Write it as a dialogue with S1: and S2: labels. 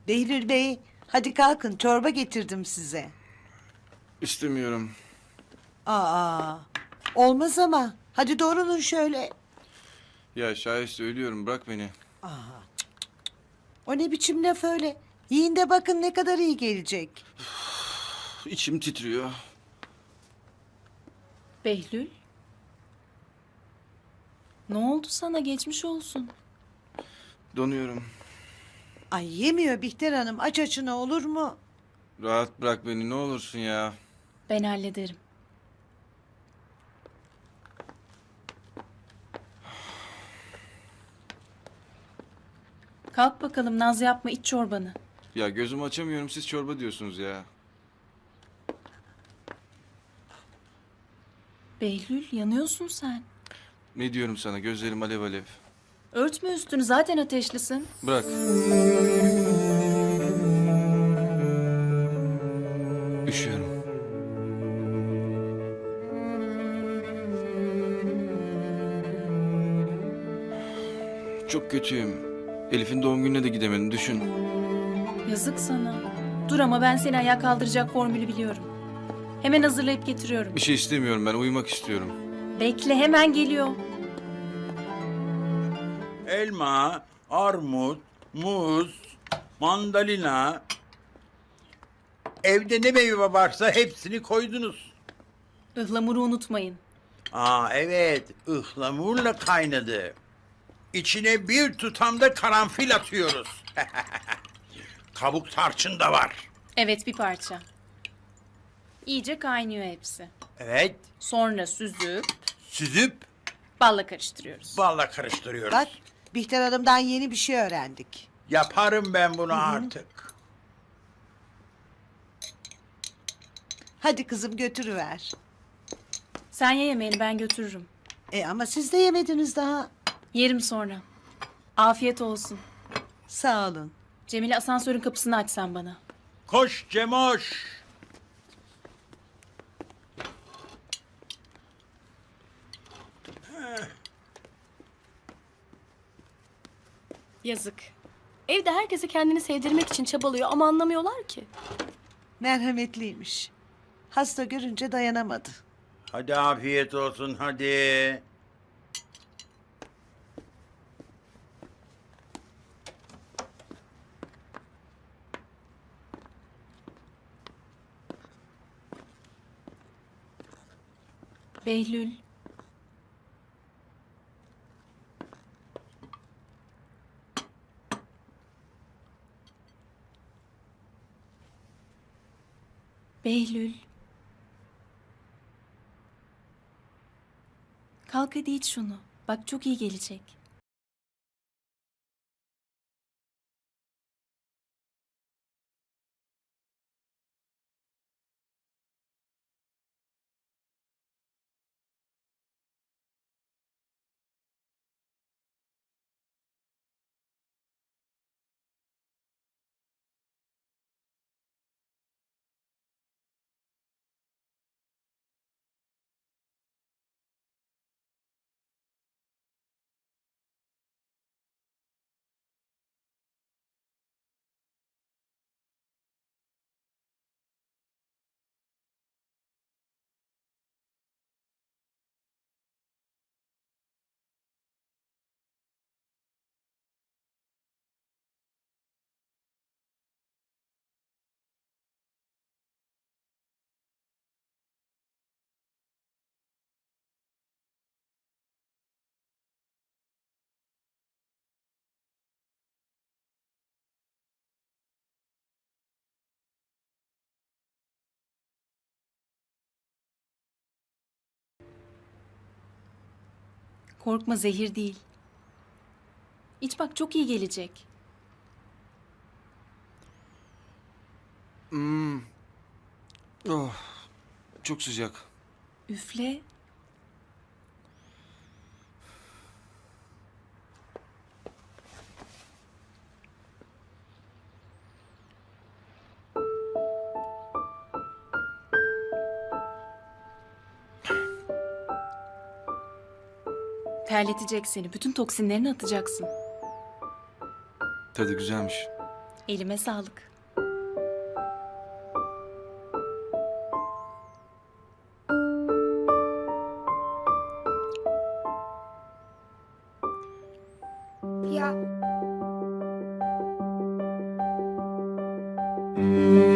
S1: Behlül Bey, hadi kalkın çorba getirdim size.
S2: İstemiyorum.
S1: Aa, olmaz ama. Hadi doğrulun şöyle.
S2: Ya Şahiste ölüyorum, bırak beni.
S1: O ne biçim laf öyle? Yiyin de bakın ne kadar iyi gelecek.
S2: İçim titriyor.
S3: Behlül? Ne oldu sana? Geçmiş olsun.
S2: Donuyorum.
S1: Ay yemiyor Bihter Hanım. Aç açına olur mu?
S2: Rahat bırak beni ne olursun ya.
S3: Ben hallederim. Kalk bakalım, naz yapma, iç çorbanı.
S2: Ya gözümü açamıyorum, siz çorba diyorsunuz ya.
S3: Behlül, yanıyorsun sen.
S2: Ne diyorum sana, gözlerim alev alev.
S3: Örtme üstünü, zaten ateşlisin.
S2: Bırak. Üşüyorum. Çok kötüyüm. Elif'in doğum gününe de gidemedim, düşün.
S3: Yazık sana. Dur ama ben seni ayağa kaldıracak formülü biliyorum. Hemen hazırlayıp getiriyorum.
S2: Bir şey istemiyorum, ben uyumak istiyorum.
S3: Bekle, hemen geliyor.
S4: Elma, armut, muz, mandalina. Evde ne meyve varsa hepsini koydunuz.
S3: Ihlamuru unutmayın.
S4: Aa evet, ıhlamurla kaynadı. İçine bir tutam da karanfil atıyoruz. Kabuk tarçın da var.
S3: Evet, bir parça. İyice kaynıyor hepsi.
S4: Evet,
S3: Sonra süzüp
S4: süzüp
S3: balla karıştırıyoruz.
S4: balla karıştırıyoruz.
S1: Bak, Bihter Hanım'dan yeni bir şey öğrendik.
S4: Yaparım ben bunu artık.
S1: Hadi kızım götürüver.
S3: Sen ye yemeğini, ben götürürüm.
S1: Ama siz de yemediniz daha.
S3: Yerim sonra. Afiyet olsun.
S1: Sağ olun.
S3: Cemile, asansörün kapısını aç sen bana.
S4: Koş Cemoş.
S5: Yazık. Evde herkese kendini sevdirmek için çabalıyor ama anlamıyorlar ki.
S1: Merhametliymiş. Hasta görünce dayanamadı.
S4: Hadi afiyet olsun hadi.
S3: Behlül. Behlül. Kalk hadi iç şunu. Bak çok iyi gelecek. Korkma, zehir değil. İç bak çok iyi gelecek.
S2: Oh, çok sıcak.
S3: Üfle. Terletecek seni. Bütün toksinlerini atacaksın.
S2: Tadı güzelmiş.
S3: Elime sağlık.
S6: Ya